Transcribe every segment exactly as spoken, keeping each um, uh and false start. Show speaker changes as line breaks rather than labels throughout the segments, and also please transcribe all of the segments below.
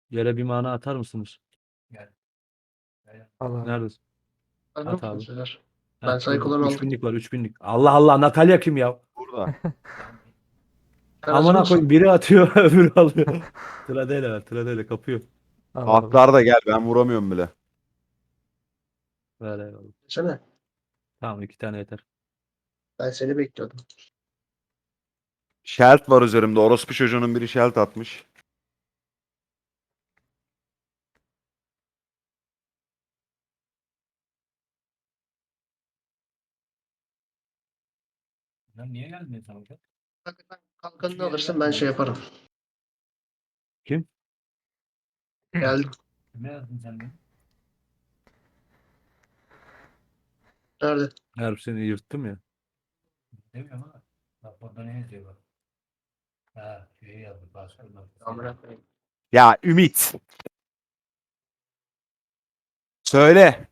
Yere bir mana atar mısınız?
Gel. Gel.
Al abi.
Neredesin?
Hazır
At abi.
mısınız sizler?
Heh,
Ben
burada.
saykoları
üç
aldım.
binlik var üç binlik. Allah Allah, Natalya kim ya?
Burada.
Sen hazır
Amına
mısın?
koyayım, biri atıyor öbürü alıyor. Tradeyle var, tradeyle kapıyor.
Al abi.
Atlar da gel, ben vuramıyorum bile.
Ver eyvallah.
Sene.
Tamam, iki tane yeter.
Ben seni bekliyordum.
Şelt var üzerimde. Orospu çocuğunun biri şelt atmış.
Lan niye geldin sen hocam?
Hakikaten kalkanını alırsın ben şey yaparım.
Kim?
Geldim.
Kime yazdın sen beni?
Nerede?
Her seni yırttım ya.
Demiyorum ama. Bak burada ne yazıyor bak. Ha şeyi yazdı. Başka bir bak.
Amına koyayım.
Ya Ümit. Söyle.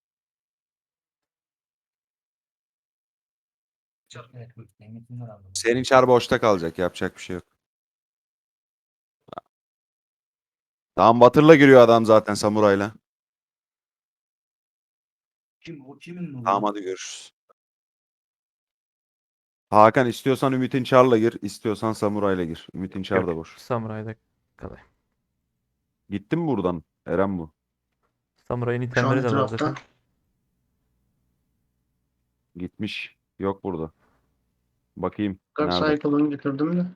Evet, bu Demet'in var anlamı.
Senin çar boşta kalacak. Yapacak bir şey yok. Tamam, Batır'la giriyor adam zaten samurayla.
Kim o kimin nuru?
Tamam, hadi görüşürüz. Hakan, istiyorsan Ümit'in çarla gir. İstiyorsan samurayla gir. Ümit'in çar da
Yok.
boş.
Samuray'da kalayım.
Gittin mi buradan? Eren bu.
Samuray'ın
Şu an
itemleri de var
etrafta.
zaten.
Gitmiş. Yok burada. Bakayım.
Kaç
Nerede?
saykolunu getirdim de.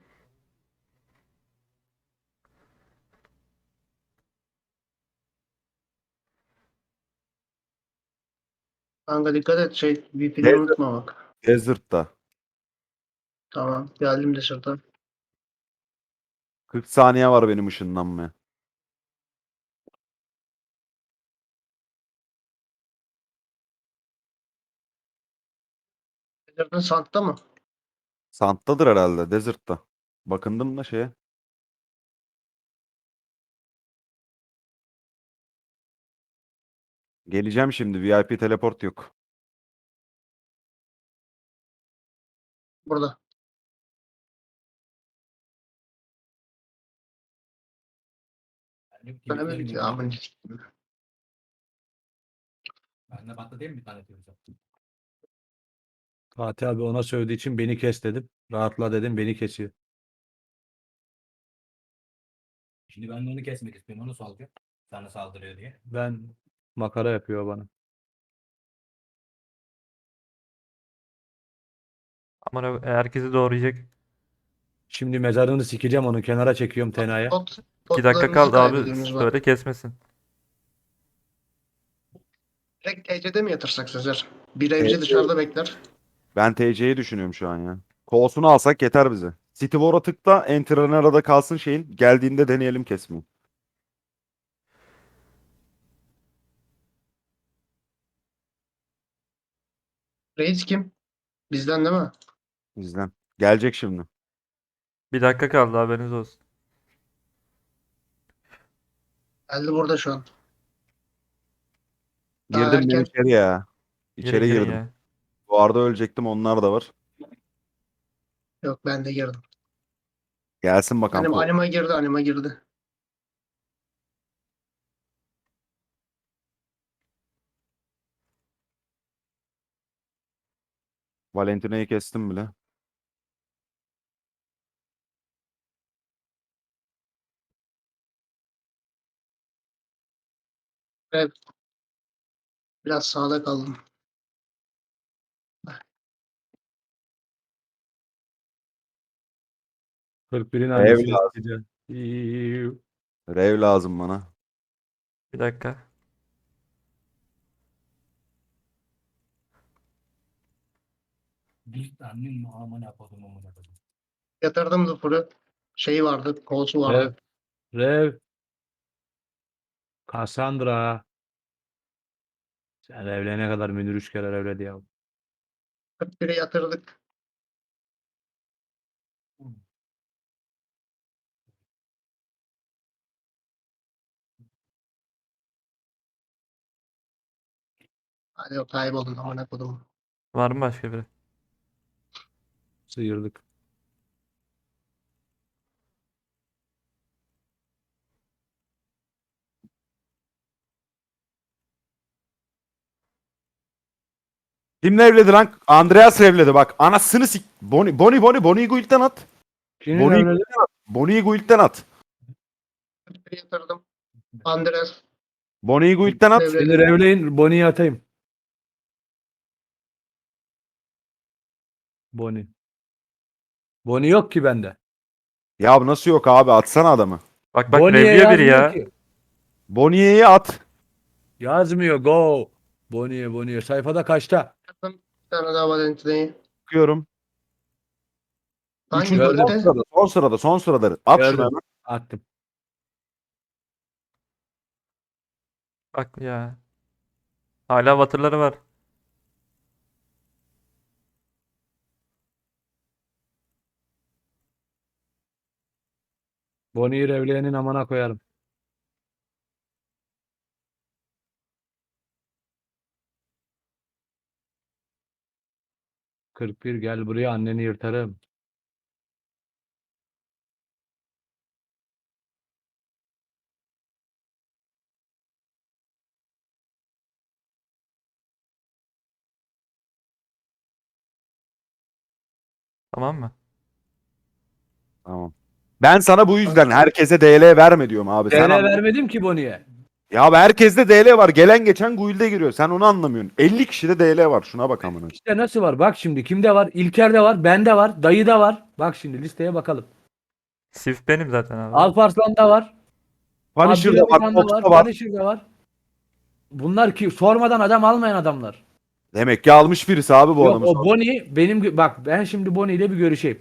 Kanka dikkat et şey V P'ni
Neyse.
unutma bak.
Desert'ta.
Tamam geldim de sırta.
kırk saniye var benim ışınlanmaya.
Getirdin santta mı?
Sant'tadır herhalde. Desert'ta. Bakındım da şeye. Geleceğim şimdi. V I P teleport yok.
Burada.
Ben de
Sana
tweetlerim
bir
gibi.
amın.
Ben de battı değil mi bir tane tweet?
Fatih abi ona söylediği için beni kes dedim. Rahatla dedim, beni kesiyor.
Şimdi ben de onu kesmek istiyorum. Onu salacağım. Sana saldırıyor diye.
Ben makara yapıyor bana.
Ama herkesi doğrayacak.
Şimdi mezarını sikeceğim, onu kenara çekiyorum tenaya.
Pot,
iki dakika
potlarınızı
kaldı abi.
kaybediyorsunuz bak.
Söyle kesmesin.
Direkt T C'de mi yatırsak Sezer? Bir evci dışarıda bekler.
Ben T C'yi düşünüyorum şu an ya. Kolsunu alsak yeter bize. City War'a tıkla. Enter'ın arada kalsın şeyin. Geldiğinde deneyelim kesmeyi.
Reis kim? Bizden değil mi?
Bizden. Gelecek şimdi.
Bir dakika kaldı, haberiniz olsun.
Geldi burada şu an. Daha
Girdim ben
erken.
içeri ya.
Girin
İçeri
girin
girdim.
ya.
Bu arada ölecektim, onlar da var.
Yok ben de girdim.
Gelsin bakalım.
Anima,
Kol.
anima girdi anima girdi.
Valentina'yı kestim bile.
Evet. Biraz sağda kaldım.
kırk birin
Rev
annesini
lazım.
sikeceğim. İyi.
Rev lazım bana.
Bir dakika.
Bir tane mi amına kodum amına kodum.
Yatırdım Zufur'u. Şeyi vardı, kolsu
Rev.
vardı.
Rev. Cassandra. Sen evlenene kadar Münir üç kere evledi ya.
kırk bire yatırdık. Hadi o kayboldun amına kodum.
Var mı başka biri?
Sıyırdık.
Kimle evledi lan? Andreas evledi bak. Anasını sik. Boni, Boni, Boni, Boni'yi guild'den at.
Kimin
Boni'yi
evliliği?
guild'den at. Boni'yi guild'den at.
Bir yatırdım. Andres.
Boni'yi guild'den at.
Evledi.
Beni revleyin. Boni'yi atayım. Boni. Boni yok ki bende.
Ya nasıl yok abi? Atsana adamı.
Bak bak
Boni'ye
revliyor biri
yazmıyor
ya.
ki.
Boni'yi at.
Yazmıyor. Go. Boni'ye Boni'ye. Sayfada kaçta?
Bir tane daha Valentine'yi.
Bakıyorum.
Hangi
Üçüncü
Gördüm.
son
golde?
sırada. Son sırada. Son sırada. At şunu
Gördüm.
hemen.
Attım.
Bak ya. Hala batırları var.
Boni'yi revleyenin amına koyarım. kırk bir gel buraya anneni yırtarım.
Tamam mı?
Tamam. Ben sana bu yüzden herkese D L verme diyorum abi. Sen
D L
anla.
vermedim ki Boni'ye.
Ya abi herkeste D L var. Gelen geçen guild'e giriyor. Sen onu anlamıyorsun. elli kişide D L var. Şuna bak amına.
İşte nasıl var? Bak şimdi kimde var? İlker'de var, bende var, dayıda var. Bak şimdi listeye bakalım.
Sif benim zaten abi.
Alparslan'da var.
Punisher'da var.
Abdülhamithan'da var.
Fox'ta var.
Punisher'da var. Bunlar ki sormadan adam almayan adamlar.
Demek ki almış birisi abi bu
Yok
adamı.
o Boni benim gö- bak ben şimdi Boni ile bir görüşeyim.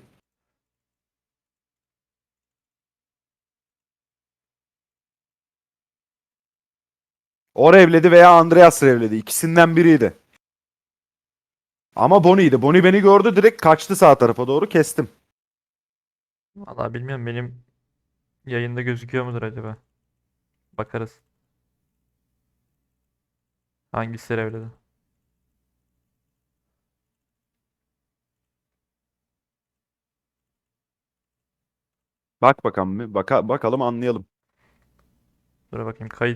O revledi veya Andreas revledi. İkisinden biriydi. Ama Boni'ydi. Boni beni gördü, direkt kaçtı sağ tarafa doğru, kestim.
Vallahi bilmiyorum, benim yayında gözüküyor mudur acaba? Bakarız. Hangisi revledi?
Bak bakalım bir. Baka, bakalım anlayalım.
Dur bakayım, kayıt